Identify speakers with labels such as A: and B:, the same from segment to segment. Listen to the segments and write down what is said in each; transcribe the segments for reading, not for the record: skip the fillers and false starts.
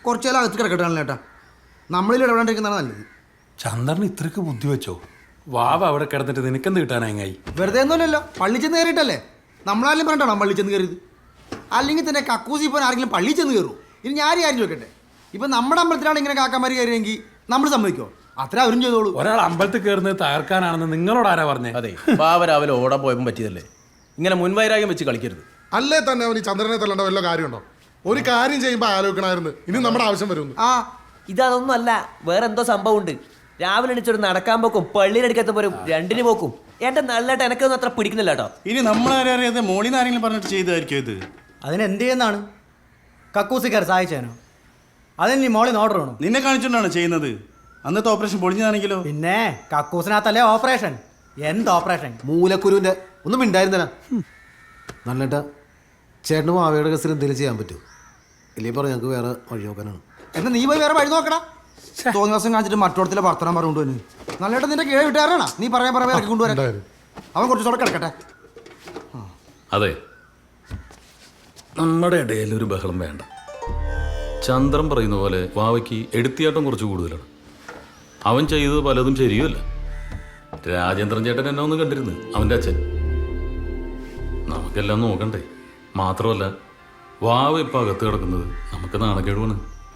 A: കുറച്ചു കാലം അകത്ത് കിടക്കട്ടാണല്ലോ ഏട്ടാ. നമ്മളിൽ ഇടപെടാണ്ടിരിക്കുന്നതാണ് നല്ലത്.
B: ചന്ദ്രന് ഇത്രയ്ക്ക് ബുദ്ധി വെച്ചോ? വാവ അവിടെ കിടന്നിട്ട് നിനക്കെന്ത് കിട്ടാനായി?
A: വെറുതെ ഒന്നുമല്ലല്ലോ, പള്ളി ചെന്ന് കയറിയിട്ടല്ലേ. നമ്മളാരും പറഞ്ഞിട്ടാണോ പള്ളി ചെന്ന് കയറിയത്? അല്ലെങ്കിൽ തന്നെ കക്കൂസി പോകാൻ ആരെങ്കിലും പള്ളി ചെന്ന് കയറും? ഇനി ഞാൻ കാര്യം ചോദിക്കട്ടെ, ഇപ്പം നമ്മുടെ അമ്പലത്തിലാണ് ഇങ്ങനെ കാക്കാമാർ കയറിയെങ്കിൽ നമ്മൾ സമ്മതിക്കോ? അത്ര അവരും ചെയ്തോളൂ.
B: ഒരാൾ അമ്പലത്തിൽ കയറുന്നത് തകർക്കാനാണെന്ന് നിങ്ങളോട് ആരാ പറഞ്ഞേ?
C: അതെ, പാവ രാവിലെ ഓടാൻ പോയപ്പോൾ പറ്റിയതല്ലേ. ഇങ്ങനെ മുൻവൈരാഗ്യം വെച്ച് കളിക്കരുത്.
D: അല്ലേ തന്നെ അവന് ചന്ദ്രനെ തല്ലേണ്ട വല്ല കാര്യമുണ്ടോ? ഒരു കാര്യം ചെയ്യുമ്പോൾ ആലോചിക്കണമായിരുന്നു, ഇനി നമ്മുടെ ആവശ്യം വരുന്നു.
E: ആ ഇതൊന്നും അല്ല, വേറെ എന്തോ സംഭവം ഉണ്ട്. രാവിലെ എണിച്ചൊരു നടക്കാൻ പോക്കും പള്ളിയിലെടുക്കത്തുമ്പോൾ രണ്ടിന് പോക്കും. എന്റെ നല്ലതായിട്ട് എനക്കൊന്നും അത്ര പിടിക്കുന്നില്ല കേട്ടോ.
F: ഇനി നമ്മളറിയാതെ മോളിന്ന് ആരെങ്കിലും പറഞ്ഞിട്ട് ചെയ്തായിരിക്കും ഇത്.
G: അതിനെന്ത് ചെയ്യുന്നതാണ്? കക്കൂസിക്കാർ സഹായിച്ചേനോ? അതിന് മോളിന്ന് ഓർഡർ വേണോ?
F: നിന്നെ കാണിച്ചുകൊണ്ടാണ് ചെയ്യുന്നത്. അന്നത്തെ ഓപ്പറേഷൻ പൊളിഞ്ഞതാണെങ്കിലോ?
G: പിന്നെ കക്കൂസിനകത്തല്ലേ ഓപ്പറേഷൻ. എന്ത് ഓപ്പറേഷൻ?
A: മൂലക്കുരുവിൻ്റെ ഒന്നും ഉണ്ടായിരുന്നില്ല. നല്ലേട്ടാ, ചേട്ടനും മാവയുടെ കേസിൽ എന്തെങ്കിലും ചെയ്യാൻ പറ്റുമോ? ഇല്ലെങ്കിൽ പറഞ്ഞു ഞങ്ങൾക്ക് വേറെ വഴി നോക്കാനാണ്. എന്നാ നീ പോയി വേറെ വഴി നോക്കടാ. തോന്നി ദിവസം കാണിച്ചിട്ട് മറ്റോടത്തിലെ വർത്തനം പറഞ്ഞുകൊണ്ട് തന്നെ നല്ലേട്ട നിന്റെ കീഴ് വിട്ടുകാരാണോ നീ പറയാൻ ഇറക്കി കൊണ്ടുവരാൻ? അവൻ കുറച്ചുകൂടെ കിടക്കട്ടെ.
H: അതെ, നമ്മുടെ ഇടയിൽ ഒരു ബഹളം വേണ്ട. ചന്ദ്രൻ പറയുന്ന പോലെ വാവയ്ക്ക് എടുത്തിയാട്ടം കുറച്ച് കൂടുതലാണ്. അവൻ ചെയ്തത് പലതും ശരിയുമല്ല. രാജേന്ദ്രൻ ചേട്ടൻ എന്നെ ഒന്ന് കണ്ടിരുന്നു, അവൻ്റെ അച്ഛൻ. നമുക്കെല്ലാം നോക്കണ്ടേ? മാത്രമല്ല, വാവ ഇപ്പം അകത്ത് കിടക്കുന്നത് നമുക്ക് നാണക്കേടുവാണ്.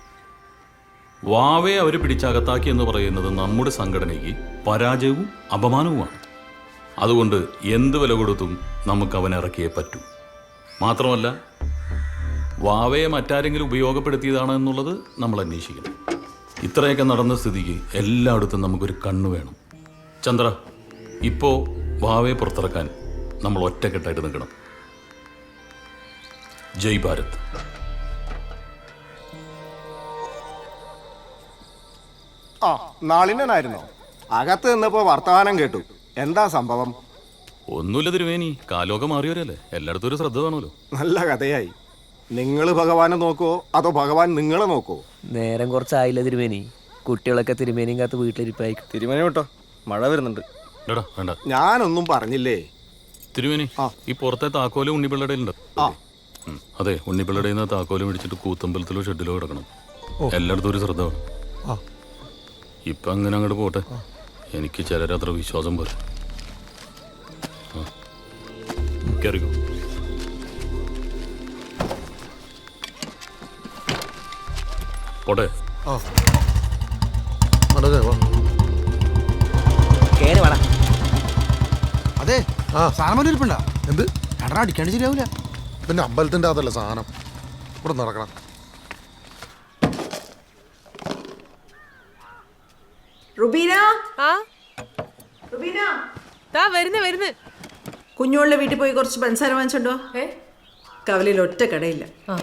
H: വാവയെ അവർ പിടിച്ചകത്താക്കി എന്ന് പറയുന്നത് നമ്മുടെ സംഘടനയ്ക്ക് പരാജയവും അപമാനവുമാണ്. അതുകൊണ്ട് എന്ത് വില കൊടുത്തും നമുക്ക് അവനെ ഇറക്കിയേ പറ്റൂ. മാത്രമല്ല, വാവയെ മറ്റാരെങ്കിലും ഉപയോഗപ്പെടുത്തിയതാണ് എന്നുള്ളത് നമ്മൾ അന്വേഷിക്കണം. ഇത്രയൊക്കെ നടന്ന സ്ഥിതിക്ക് എല്ലായിടത്തും നമുക്കൊരു കണ്ണ് വേണം. ചന്ദ്ര, ഇപ്പോൾ വാവയെ പുറത്തിറക്കാൻ നമ്മൾ ഒറ്റക്കെട്ടായിട്ട് നിൽക്കണം. ജയ് ഭാരത്.
I: ആ നാളിനായിരുന്നോ? അകത്ത് നിന്നപ്പോ വർത്തമാനം കേട്ടു. എന്താ സംഭവം?
H: ഒന്നുമില്ല തിരുവേനി, കാലമൊക്കെ മാറിയവരല്ലേ, എല്ലായിടത്തും ഒരു ശ്രദ്ധ വേണമല്ലോ.
I: നല്ല കഥയായി. നിങ്ങൾ ഭഗവാനെ നോക്കുവോ അതോ ഭഗവാൻ നിങ്ങളെ നോക്കുവോ?
E: നേരം കുറച്ചായില്ല തിരുമേനി. കുട്ടികളൊക്കെ തിരുമേനിയും കാത്ത് വീട്ടിലിരിപ്പായി.
I: തിരുമേനി കേട്ടോ, മഴ വരുന്നുണ്ട്.
H: വേണ്ട,
I: ഞാനൊന്നും പറഞ്ഞില്ലേ
H: തിരുവേനി. ഈ പുറത്തെ താക്കോല് ഉണ്ണിപ്പിള്ളയുടെ ഉണ്ട്. അതെ, ഉണ്ണിപ്പിള്ളയുടെ താക്കോല് മേടിച്ചിട്ട് കൂത്തമ്പലത്തിലോ ഷെഡിലോ കിടക്കണം. എല്ലായിടത്തും ഒരു ശ്രദ്ധ വേണം. ഇപ്പം അങ്ങനെ അങ്ങോട്ട് പോട്ടെ. എനിക്ക് ചിലരത്ര വിശ്വാസം പോലെ. കയറിക്കോ. പോട്ടെ.
E: കേറി വേണം.
A: അതെ, സാധനം ഇരിപ്പുണ്ടാ?
D: എന്ത്
A: എടാ, അടിക്കാണ്ട് ശരിയാവൂല.
D: പിന്നെ അമ്പലത്തിന്റെ അതല്ല സാധനം ഇവിടെ നടക്കണം.
J: റുബീന,
K: ആ
J: റുബീന,
K: ദാ വരുന്നു.
J: കുഞ്ഞുങ്ങളുടെ വീട്ടിൽ പോയി കുറച്ച് പഞ്ചസാര വാങ്ങിച്ചോണ്ടോ. കവലയിൽ ഒറ്റ കടയില്ല.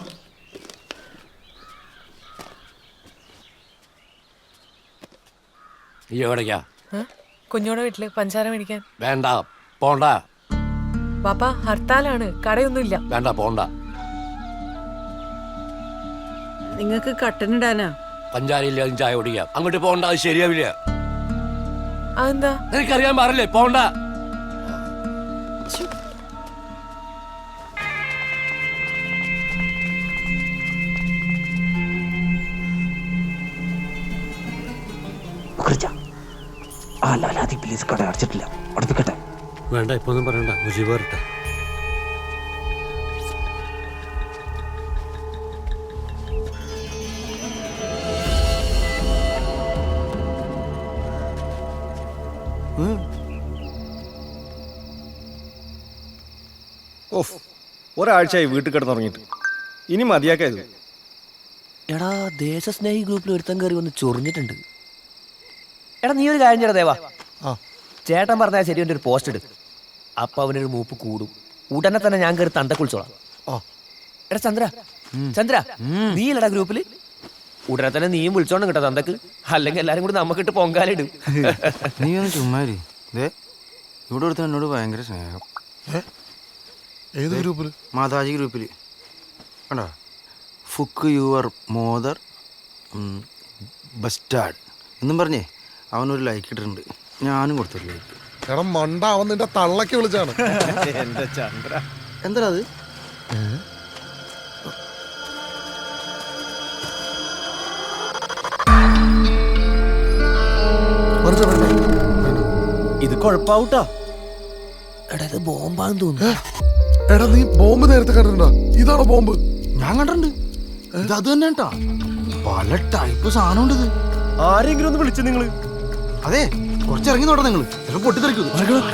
L: എവിടേക്കാ?
K: കുഞ്ഞോടെ വീട്ടില് പഞ്ചസാര മേടിക്കാൻ.
L: വേണ്ട, പോണ്ട.
K: പാപ്പ, ഹർത്താലാണ്, കടയൊന്നുമില്ല.
L: വേണ്ട, പോണ്ട.
J: നിങ്ങൾക്ക് കട്ടനിടാനാ?
L: പഞ്ചാരയില്ലാതും ചായ കുടിക്കാം. അങ്ങോട്ട് പോണ്ട, അത് ശരിയാവില്ല.
K: അതെന്താ?
L: നിനക്കറിയാൻ പാടില്ലേ, പോണ്ട.
E: പ്ലീസ്, കട അടച്ചിട്ടില്ല, അടുപ്പിക്കട്ടെ.
L: വേണ്ട, ഇപ്പൊ ഒന്നും പറയണ്ട, മുജീബ് വരട്ടെ.
I: ഓഫ്, ഒരാഴ്ചയായി വീട്ടിൽ കിടന്നുറങ്ങിയിട്ട്. ഇനി മതിയാക്കായത്.
E: എടാ, ദേശസ്നേഹി ഗ്രൂപ്പിൽ ഒരുത്തം കയറി വന്ന് ചൊറിഞ്ഞിട്ടുണ്ട്. എടാ, നീ ഒരു കാര്യം ചെയ്യടാ ദേവാ. ചേട്ടൻ പറഞ്ഞാൽ ശരി, ഒരു പോസ്റ്റ് ഇട്. അപ്പൊ അവനൊരു മൂപ്പ് കൂടും. ഉടനെ തന്നെ ഞാൻ കയറി തണ്ട കുളിച്ചോളാം. എടാ ചന്ദ്ര, നീ ഇല്ലടാ ഗ്രൂപ്പില്? ഉടനെ തന്നെ നീയും വിളിച്ചോണം കേട്ടോ തന്തക്ക്. അല്ലെങ്കിൽ എല്ലാരും കൂടി നമുക്കിട്ട് പൊങ്കാലിടും.
A: നീ ഒന്ന് ചുമ്മാരി. ഇവിടെ ഒരുത്തൻ എന്നോട് ഭയങ്കര സ്നേഹം.
D: ഏത് ഗ്രൂപ്പിൽ?
A: മാതാജി ഗ്രൂപ്പിൽ കണ്ടോ? ഫുക്ക് യുവർ മോദർ ബസ്റ്റാഡ് എന്നും പറഞ്ഞേ അവനൊരു ലൈക്ക് ഇട്ടിട്ടുണ്ട്. ഞാനും കൊടുത്തൊരു ലൈക്ക്.
D: എടാ മണ്ട, അവൻ നിന്റെ തള്ളക്ക് വിളിച്ചാണ്.
I: എന്റെ ചന്ദ്ര,
A: എന്താ അത്?
C: ഇത് കുഴപ്പാവൂട്ടാ.
E: എടാ ഇത് ബോംബാന്ന് തോന്നുന്നു.
D: എടാ നീ ബോംബ് നേരത്തെ കണ്ടിട്ടുണ്ടോ? ഇതാണോ ബോംബ്?
A: ഞാൻ കണ്ടിട്ടുണ്ട്. ഇത് അത് തന്നെ കേട്ടാ. പല ടൈപ്പ് സാധനം ഉണ്ട് ഇത്.
C: ആരെങ്കിലും ഒന്ന് വിളിച്ചു നിങ്ങള്?
A: അതെ, കുറച്ച് ഇറങ്ങി നോട്ടെ നിങ്ങൾ. ചിലപ്പോൾ പൊട്ടിത്തെറിക്കും.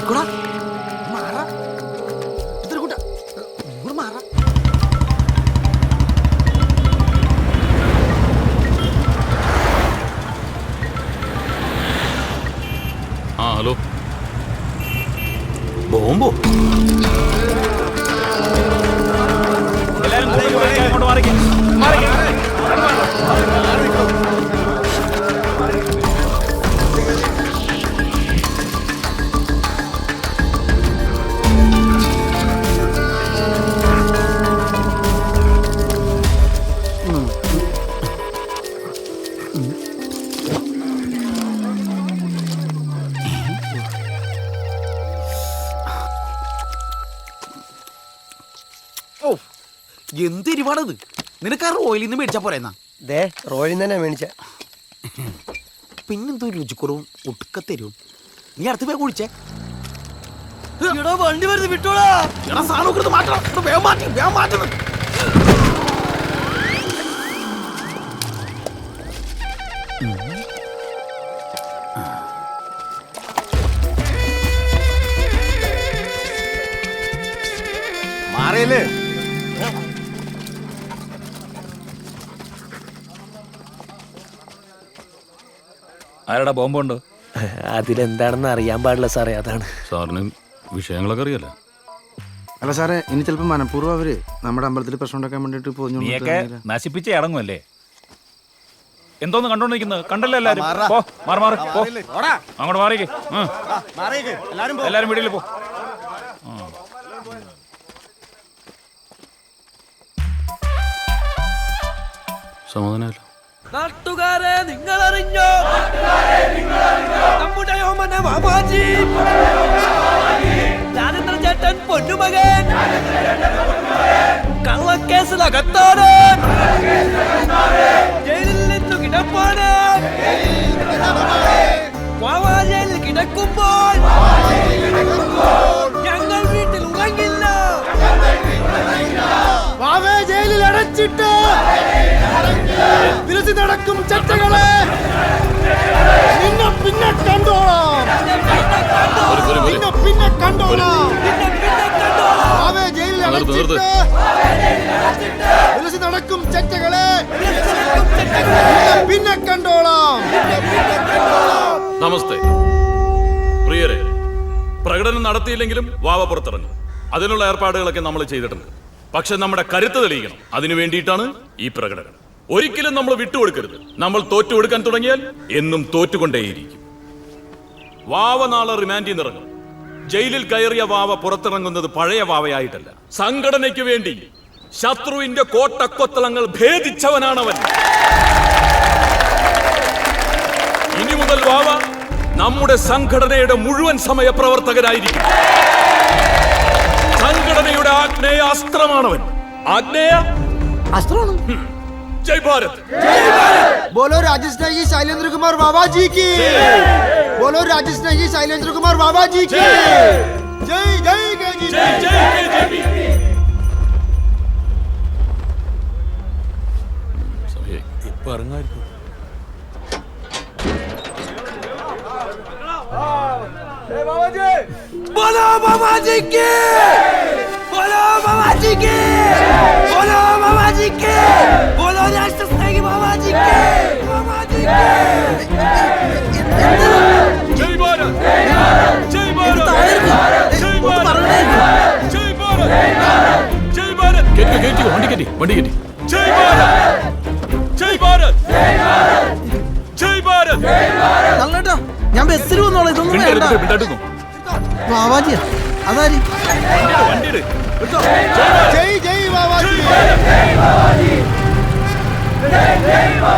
H: ആ ഹലോ, ബോംബോ?
C: എന്ത് എരിവാണത്? നിനക്ക് ആ റോയിൽ നിന്ന് മേടിച്ചാ പോരെന്നാ?
E: ദേ റോയിൽ തന്നെ മേടിച്ച.
C: പിന്നെന്തോ രുചിക്കുറവും ഒടുക്കത്തരും. നീ അടുത്ത് പോയി കുഴിച്ചേ.
E: വണ്ടി വരുന്നത് വിട്ടോളാ.
C: സാധനം മാറ്റണം. വേഗം മാറ്റുന്നു.
I: മാറിയല്ലേ?
H: ആരടാ ബോംബുണ്ടോ?
E: അതിലെന്താണെന്ന് അറിയാൻ പാടില്ല സാറേ, അതാണ്.
H: സാറിന് വിഷയങ്ങളൊക്കെ അറിയാലോ.
A: അല്ല സാറേ, ഇനി ചിലപ്പോൾ മനഃപൂർവ്വം അവര് നമ്മുടെ അമ്പലത്തിൽ പ്രശ്നം ഉണ്ടാക്കാൻ വേണ്ടിട്ട് പോഞ്ഞു
L: നശിപ്പിച്ചേ അടങ്ങുമല്ലേ? എന്തോന്ന് കണ്ടോണ്ടിരിക്കുന്നത്? കണ്ടല്ലോ എല്ലാരും. അങ്ങോട്ട് മാറിക്ക്. എല്ലാരും വീട്ടിൽ പോ.
H: സമാധാനമല്ലോ.
E: നാട്ടുകാരെ നിങ്ങൾ അറിഞ്ഞോ? നമ്മുടെ ഓമന മാമാജി രാജേന്ദ്ര ചേട്ടൻ പൊന്നുമകൻ കള്ളക്കേസിലകത്താണ്. ജയിലിൽ നിന്നു കിടപ്പാണ്. മാമാജയിൽ കിടക്കുമ്പോൾ ഞങ്ങൾ വീട്ടിൽ ഉറങ്ങില്ല. ജയിലിൽ അടച്ചിട്ട് തിരിച്ചു നടക്കും ചട്ടകളെ പിന്നെ കണ്ടോളാം. പിന്നെ കണ്ടോളാം. ജയിലിൽ അടച്ചിട്ട് തിരിച്ചു നടക്കും ചട്ടകളെ പിന്നെ കണ്ടോളാം.
H: നമസ്തേ പ്രിയരെ. പ്രകടനം നടത്തിയില്ലെങ്കിലും വാവ പുറത്തിറങ്ങും. അതിനുള്ള ഏർപ്പാടുകളൊക്കെ നമ്മൾ ചെയ്തിട്ടുണ്ട്. പക്ഷെ നമ്മുടെ കരുത്ത് തെളിയിക്കണം. അതിനു വേണ്ടിയിട്ടാണ് ഈ പ്രകടനം. ഒരിക്കലും നമ്മൾ വിട്ടുകൊടുക്കരുത്. നമ്മൾ തോറ്റു കൊടുക്കാൻ തുടങ്ങിയാൽ എന്നും തോറ്റുകൊണ്ടേയിരിക്കും. വാവ നാളെ റിമാൻഡിൽ നിന്നിറങ്ങും. ജയിലിൽ കയറിയ വാവ പുറത്തിറങ്ങുന്നത് പഴയ വാവയായിട്ടല്ല. സംഘടനയ്ക്ക് വേണ്ടി ശത്രുവിന്റെ കോട്ടക്കൊത്തളങ്ങൾ ഭേദിച്ചവനാണവൻ. ഇനി മുതൽ വാവ നമ്മുടെ സംഘടനയുടെ മുഴുവൻ സമയ പ്രവർത്തകനായിരിക്കും. സംഘടനയുടെ ആഗ്നേയ അസ്ത്രമാണവൻ. ആഗ്നേയ
A: അസ്ത്രമാണ്.
H: ജയ് ഭാരത്.
A: बोलो राजेश नागी शैलेंद्र कुमार बाबा जी की. बोलो राजेश नागी शैलेंद्र कुमार बाबा जी की. जय जय केजीपी.
H: जय जय केजीपी.
B: ഇപ്പൊ ഇറങ്ങായിരിക്കും.
E: बोलो बाबा जी की. बोलो बाबा जी की. बोलो बाबा जी की. बोलो राष्ट्र स्नेही बाबा जी की. बाबा जी की.
H: जय भारत. जय भारत. जय भारत. जय भारत. जय भारत. കേറ്റി വണ്ടി കേറ്റി. ജയ് ഭാരത്. ജയ് ഭാരത്. ജയ് ഭാരത്.
A: നല്ലട്ടാ, ഞാൻ ബസ്സിൽ വന്നോളാം. ഇതൊന്നും വേണ്ട. ബാബാജിയാ അതാരി. ജയ് ജയ് ബാബാജി.